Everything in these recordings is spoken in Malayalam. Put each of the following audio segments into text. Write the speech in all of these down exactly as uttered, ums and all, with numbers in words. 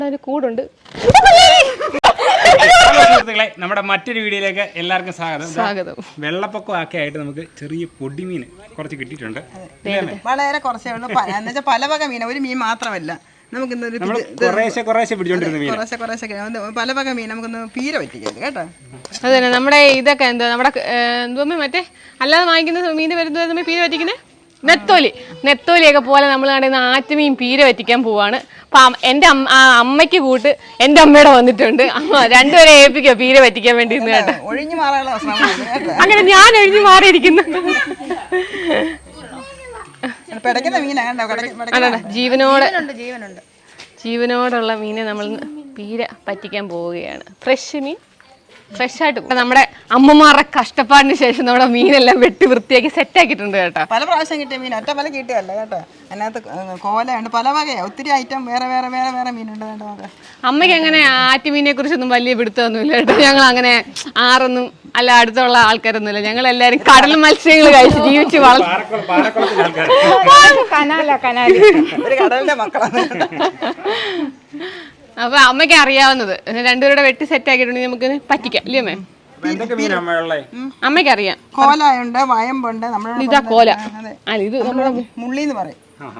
കൂടുണ്ട്. സുഹൃത്തുക്കളെ, നമ്മുടെ മറ്റൊരു വീഡിയോയിലേക്ക് എല്ലാവർക്കും സ്വാഗതം. സ്വാഗതം. വെള്ളപ്പൊക്കം ഒക്കെ ആയിട്ട് നമുക്ക് ചെറിയ പൊടിമീൻ കുറച്ച് കിട്ടിയിട്ടുണ്ട്. വളരെ കുറച്ചേ ഉള്ളൂ. എന്നുവെച്ചാൽ പല വക മീൻ, ഒരു മീൻ മാത്രമല്ല. നമുക്ക് കുറേശ്ശെ കുറേശ്ശെ പിടിച്ചോണ്ടിരുന്ന മീൻ, കുറേശ്ശെ കുറേശ്ശെ പല വക മീൻ നമുക്കൊന്ന് പീര പറ്റിക്കാം കേട്ടോ. അതെ, നമ്മുടെ ഇതൊക്കെ എന്താ നമ്മുടെ എന്തോ മറ്റേ അല്ലാതെ വാങ്ങിക്കുന്ന മീൻ വരുന്നത് പീര പറ്റിക്കുന്നത് നെത്തോലി നെത്തോലിയൊക്കെ പോലെ നമ്മൾ കണ്ടുന്ന ആറ്റുമീൻ പീര പറ്റിക്കാൻ പോവാണ്. അപ്പം എൻ്റെ അമ്മ അമ്മയ്ക്ക് കൂട്ട് എൻ്റെ അമ്മയുടെ വന്നിട്ടുണ്ട്. രണ്ടുപേരെ ഏൽപ്പിക്കോ പീര പറ്റിക്കാൻ വേണ്ടി കേട്ടോ. ഒഴിഞ്ഞു മാറാനുള്ള അങ്ങനെ ഞാൻ ഒഴിഞ്ഞു മാറിയിരിക്കുന്നു. ജീവനോടെ ജീവനോടുള്ള മീനെ നമ്മൾ പീര പറ്റിക്കാൻ പോവുകയാണ്. ഫ്രഷ് മീൻ, ഫ്രഷ് ആയിട്ട്. നമ്മുടെ അമ്മമാരുടെ കഷ്ടപ്പാടിന് ശേഷം നമ്മുടെ മീനെല്ലാം വെട്ടി വൃത്തിയാക്കി സെറ്റ് ആക്കിയിട്ടുണ്ട് കേട്ടോ. പല പ്രാവശ്യം കിട്ടിയ മീൻ ഒറ്റ പല കിട്ടിയല്ല കേട്ടോ. അതിനകത്ത് കോലയുണ്ട്, പല വകയാണ്, ഒത്തിരി ഐറ്റം വേറെ വേറെ വേറെ വേറെ മീനുണ്ട് കേട്ടോ. അമ്മയ്ക്ക് അങ്ങനെ ആറ്റുമീനെ കുറിച്ചൊന്നും വലിയ പിടുത്തമൊന്നുമില്ല കേട്ടോ. ഞങ്ങൾ അങ്ങനെ ആറൊന്നും അല്ല അടുത്തുള്ള ആൾക്കാരൊന്നുമില്ല. ഞങ്ങൾ എല്ലാവരും കടൽ മത്സ്യങ്ങൾ കഴിച്ച് ജീവിച്ച് വളർന്നു. കടലിന്റെ മക്കളാണ്. അപ്പൊ അമ്മയ്ക്ക് അറിയാവുന്നത് രണ്ടുപേരുടെ വെട്ടി സെറ്റ് ആക്കിയിട്ടുണ്ടെങ്കിൽ നമുക്ക് പറ്റിക്കാം ഇല്ലേ അമ്മേ? അമ്മയ്ക്ക് അറിയാം. കോലുണ്ട്, വയമ്പുണ്ട്, ഇതാ കോല. ഇത് മുള്ളിന്ന് പറയും.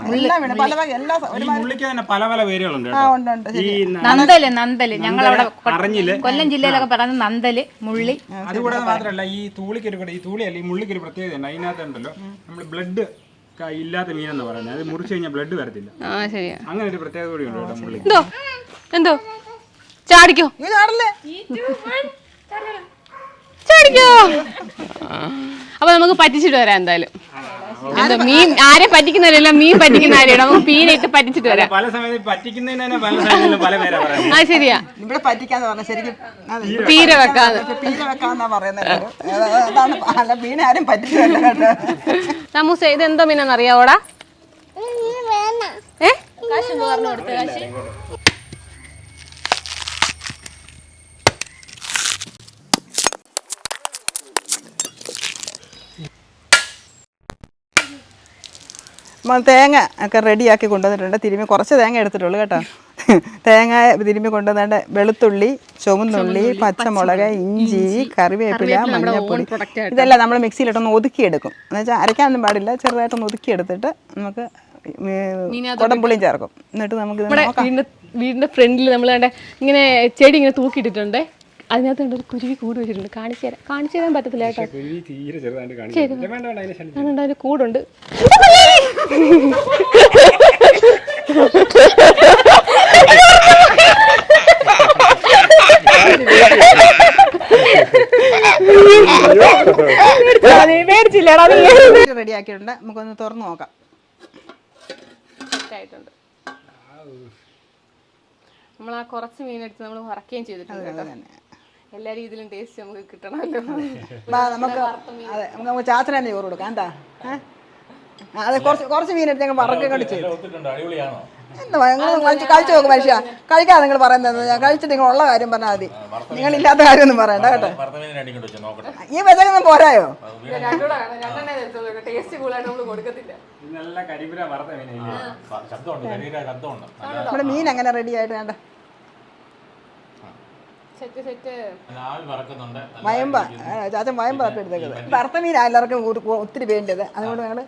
നന്തല് നന്തല് ഞങ്ങളവിടെ കൊല്ലം ജില്ലയിലൊക്കെ പറയുന്നത് നന്തല്, മുള്ളി. അതുകൂടാതെ മാത്രമല്ല, ഈ തൂളിക്കൊരു ഈ തൂളിയല്ല ഈ മുള്ളിക്കൊരു പ്രത്യേകത ഉണ്ട്. അതിനകത്തുണ്ടല്ലോ നമ്മൾ ബ്ലഡ് ഇല്ലാത്ത മീനെന്ന് പറയുന്നത്. അത് മുറിച്ചു കഴിഞ്ഞാൽ ബ്ലഡ് വരത്തില്ല. അങ്ങനെ ഒരു പ്രത്യേകത കൂടി ഉണ്ട് മുള്ളി. എന്തോ എന്തോ ചാടിക്കോ ചാടിക്കോ. അപ്പൊ നമുക്ക് പറ്റിച്ചിട്ട് വരാം എന്തായാലും. എന്തോ മീൻ ആരെ പറ്റിക്കുന്നവരല്ല, മീൻ പറ്റിക്കുന്ന ആരെയാണ്. നമുക്ക് മീനായിട്ട് പറ്റിച്ചിട്ട് വരാം. പല സമയത്ത് പറ്റിക്കുന്നതിന് പല സമയത്തും പല പേരാ പറയുന്നത്. ആ ശരിയാ, ഇവിടെ പറ്റിക്കാന്ന് പറഞ്ഞാൽ ശരിക്കും പീര വെക്കാന്ന് പീര വെക്കാന്നാ പറയുന്നത്. അതാണ് മീൻ ആരും പറ്റിച്ചല്ല കേട്ടോ. സമൂസ ഇത് എന്തോ മീനാന്ന് അറിയാവോടാ? ഏ തേങ്ങ ഒക്കെ റെഡിയാക്കി കൊണ്ടുവന്നിട്ടുണ്ട്. തിരുമ്മി കുറച്ച് തേങ്ങ എടുത്തിട്ടുള്ളൂ കേട്ടോ. തേങ്ങ തിരുമ്മി കൊണ്ടുവന്നിട്ട് വെളുത്തുള്ളി, ചുവന്നുള്ളി, പച്ചമുളക്, ഇഞ്ചി, കറിവേപ്പില, മഞ്ഞൾപ്പൊടി ഇതെല്ലാം നമ്മൾ മിക്സിയിലിട്ടൊന്ന് ഒതുക്കിയെടുക്കും. എന്ന് വെച്ചാൽ അരയ്ക്കാനൊന്നും പാടില്ല, ചെറുതായിട്ടൊന്ന് ഒതുക്കിയെടുത്തിട്ട് നമുക്ക് കുടംപുളിയും ചേർക്കും. എന്നിട്ട് നമുക്ക് വീടിന്റെ വീടിന്റെ ഫ്രണ്ടിൽ നമ്മൾ കണ്ട ഇങ്ങനെ ചെടി ഇങ്ങനെ തൂക്കിയിട്ടിട്ടുണ്ട്. അതിനകത്ത് ഒരു കുരുവി കൂട് വെച്ചിട്ടുണ്ട്. കാണിച്ചു തരാം. കാണിച്ചു തരാൻ പറ്റത്തില്ല കേട്ടോ. അതിന് കൂടുണ്ട്. റെഡിയാക്കിയിട്ടുണ്ട്. നമുക്കൊന്ന് തുറന്നു നോക്കാം. നമ്മൾ ആ കുറച്ച് മീനെടുത്ത് നമ്മൾ വറക്കുകയും ചെയ്തിട്ടുണ്ട് കേട്ടോ. എല്ലാ രീതിയിലും ടേസ്റ്റ് നമുക്ക് കിട്ടണമല്ലോ. നമുക്ക് അതെ, നമുക്ക് ചാച്ചന തന്നെ ചോറ് കൊടുക്കാം. എന്താ അതെ, കുറച്ച് കുറച്ച് മീനെടുത്ത് ഞങ്ങൾ വറക്കുകയും കൂടി ചെയ്തു. എന്താ കഴിച്ച് കഴിച്ചു നോക്കും മനുഷ്യ. കഴിക്കാതെ നിങ്ങൾ പറയുന്നത് കഴിച്ചിട്ട് നിങ്ങൾ ഉള്ള കാര്യം പറഞ്ഞാൽ മതി. നിങ്ങൾ ഇല്ലാത്ത കാര്യമൊന്നും പറയണ്ട കേട്ടോ. ഈ വെച്ചൊന്നും പോരായോ? നമ്മുടെ മീൻ എങ്ങനെ റെഡി ആയിട്ട് വേണ്ട വയമ്പ ചാച്ചൻ വയമ്പ തപ്പി എടുത്തേക്കുന്നത്. വറുത്ത മീൻ എല്ലാവർക്കും ഒത്തിരി വേണ്ടത്. അതുകൊണ്ട് ഞങ്ങൾ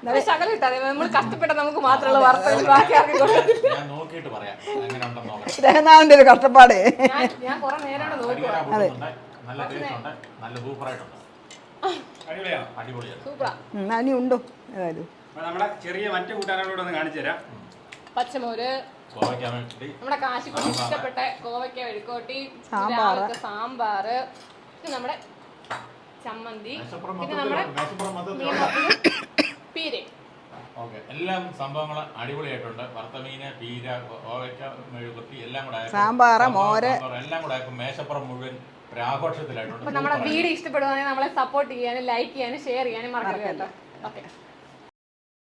രഹനാവിന്റെ ഒരു കഷ്ടപ്പാട്. അതെ, അനി ഉണ്ടോ? ഏതായാലും ചെറിയ മറ്റു കൂട്ടാനോട് കാണിച്ചു തരാം. പച്ചമോര്, നമ്മുടെ കാശിക്കുട്ടി ഇഷ്ടപ്പെട്ട കോവയ്ക്ക മെഴുക്കോട്ടി, സാമ്പാറ്, നമ്മുടെ ചമ്മന്തി, പിന്നെ നമ്മുടെ പീര. എല്ലാം സംഭവങ്ങൾ അടിപൊളിയായിട്ടുണ്ട്. വറുത്ത മീന്, പീര, കോവയ്ക്ക മെഴുകുട്ടി എല്ലാം കൂടെ സാമ്പാറ്, മോര് എല്ലാം കൂടെ മേശപ്പുറം മുഴുവൻ ഒരു ആഘോഷത്തിലായിട്ടുണ്ട്. നമ്മുടെ വീഡിയോ ഇഷ്ടപ്പെടുവാണെങ്കിൽ നമ്മളെ സപ്പോർട്ട് ചെയ്യാനും ലൈക്ക് ചെയ്യാനും ഷെയർ ചെയ്യാനും മറക്കരുത് കേട്ടോ. ഓക്കെ.